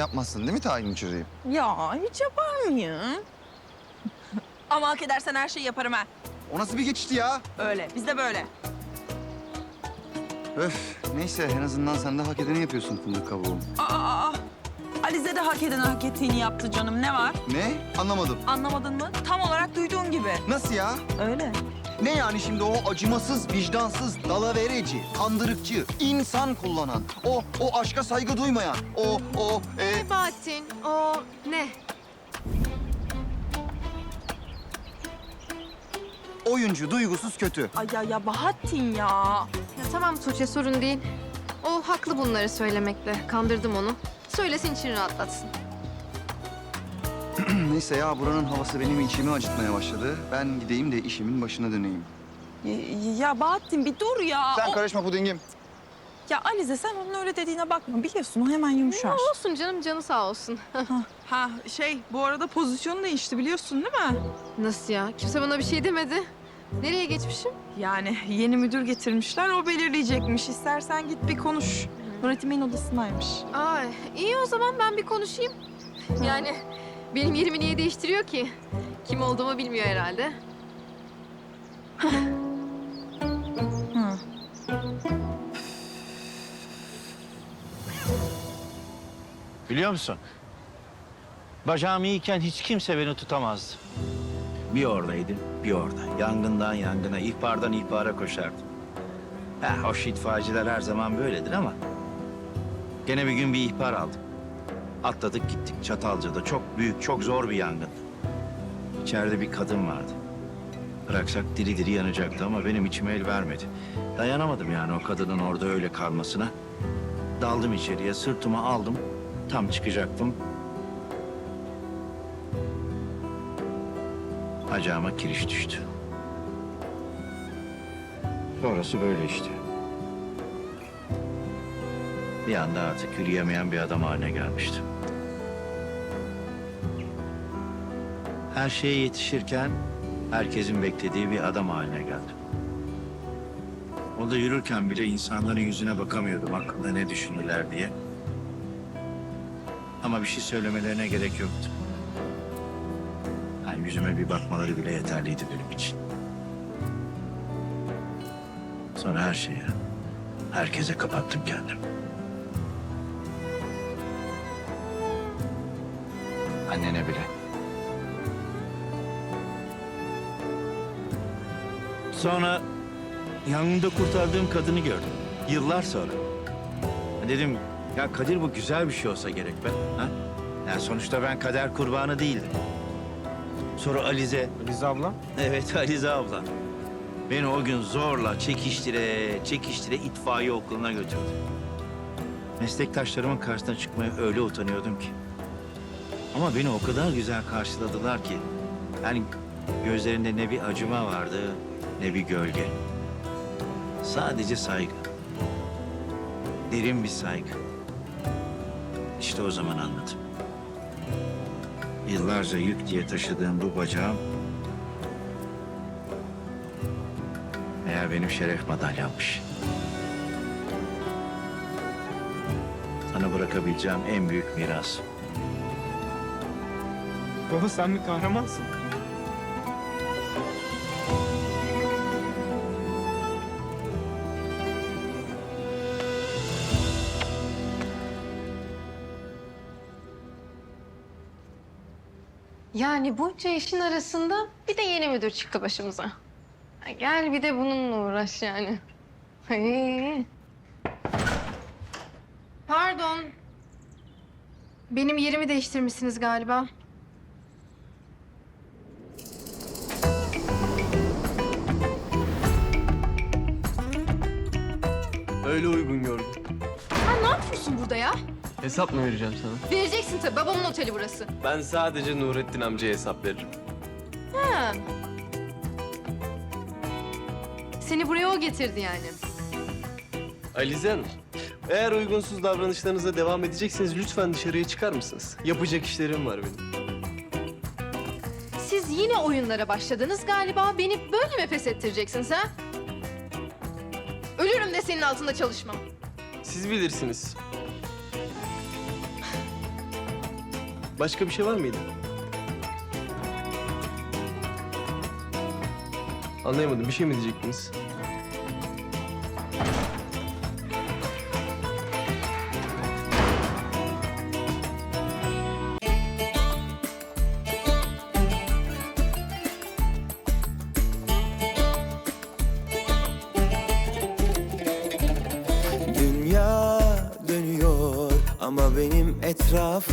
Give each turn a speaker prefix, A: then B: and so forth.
A: yapmazsın değil mi tayin çözeyim?
B: Ya hiç yapar mıyım? Ama hak edersen her şeyi yaparım ha.
A: O nasıl bir geçişti ya?
B: Öyle, biz de böyle.
A: Öf, neyse en azından sen de hak edeni yapıyorsun fındık kabuğu.
B: Aa, Alize de hak eden hak ettiğini yaptı canım. Ne var?
A: Ne? Anlamadım.
B: Anlamadın mı? Tam olarak duyduğun gibi.
A: Nasıl ya?
B: Öyle.
A: Ne yani şimdi o acımasız, vicdansız, dalavereci, kandırıkçı, insan kullanan, o aşka saygı duymayan,
C: Bahattin, o ne?
A: oyuncu, duygusuz, kötü.
B: Ay ya Bahattin ya.
C: Ya tamam Tuğçe, sorun değil. O haklı bunları söylemekle. Kandırdım onu. Söylesin, için rahatlatsın.
A: Neyse ya buranın havası benim içimi acıtmaya başladı. Ben gideyim de işimin başına döneyim.
B: Ya Bahattin bir dur ya.
A: Sen karışma pudingim.
B: Ya Alize sen onun öyle dediğine bakma. Biliyorsun o hemen yumuşar.
C: Olsun canım, canı sağ olsun.
B: Bu arada pozisyonu değişti biliyorsun değil mi?
C: Nasıl ya? Kimse bana bir şey demedi. Nereye geçmişim?
B: Yani yeni müdür getirmişler, o belirleyecekmiş. İstersen git bir konuş. Nurettin Bey'in odasındaymış.
C: Ay, iyi o zaman ben bir konuşayım. Yani benim yerimi niye değiştiriyor ki? Kim olduğumu bilmiyor herhalde.
B: Hı.
D: Biliyor musun? Bacağım iyiyken hiç kimse beni tutamazdı. Bir oradaydım, bir orada. Yangından yangına, ihbardan ihbara koşardım. Hoş itfaiyeciler her zaman böyledir ama... Gene bir gün bir ihbar aldım. Atladık gittik Çatalca'da. Çok büyük, çok zor bir yangın. İçeride bir kadın vardı. Bıraksak diri diri yanacaktı ama benim içime el vermedi. Dayanamadım yani o kadının orada öyle kalmasına. Daldım içeriye, sırtıma aldım. Tam çıkacaktım. Bacağıma kiriş düştü. Sonrası böyle işte. Bir anda artık yürüyemeyen bir adam haline gelmiştim. Her şeye yetişirken herkesin beklediği bir adam haline geldim. O da yürürken bile insanların yüzüne bakamıyordum hakkında ne düşünürler diye. Ama bir şey söylemelerine gerek yoktu. Yani yüzüme bir bakmaları bile yeterliydi benim için. Sonra her şeye, herkese kapattım kendimi. Annene bile. Sonra yangında kurtardığım kadını gördüm. Yıllar sonra. Dedim ya Kadir bu güzel bir şey olsa gerek be. Ha? Yani sonuçta ben kader kurbanı değildim. Sonra Alize.
E: Alize abla?
D: Evet Alize abla. Beni o gün zorla çekiştire itfaiye okuluna götürdü. Meslektaşlarımın karşısına çıkmaya öyle utanıyordum ki. Ama beni o kadar güzel karşıladılar ki. Yani gözlerinde ne bir acıma vardı ne bir gölge. Sadece saygı. Derin bir saygı. İşte o zaman anladım. Yıllarca yük diye taşıdığım bu bacağım... meğer benim şeref madalyammış. Sana bırakabileceğim en büyük miras.
E: Baba sen bir kahramansın.
C: Yani bunca işin arasında bir de yeni müdür çıktı başımıza. Ya gel bir de bununla uğraş yani. Ay. Pardon. Benim yerimi değiştirmişsiniz galiba.
E: Öyle uygun gördüm.
C: Sen ne yapıyorsun burada ya?
E: Hesap mı vereceğim sana?
C: Vereceksin tabii. Babamın oteli burası.
E: Ben sadece Nurettin amcaya hesap veririm.
C: Ha. Seni buraya o getirdi yani.
E: Alize Hanım, eğer uygunsuz davranışlarınıza devam edecekseniz lütfen dışarıya çıkar mısınız? Yapacak işlerim var benim.
C: Siz yine oyunlara başladınız galiba. Beni böyle mi pes ettireceksiniz ha? Ölürüm de senin altında çalışmam.
E: Siz bilirsiniz. Başka bir şey var mıydı? Anlayamadım. Bir şey mi diyecektiniz?
F: Dünya dönüyor ama benim etrafım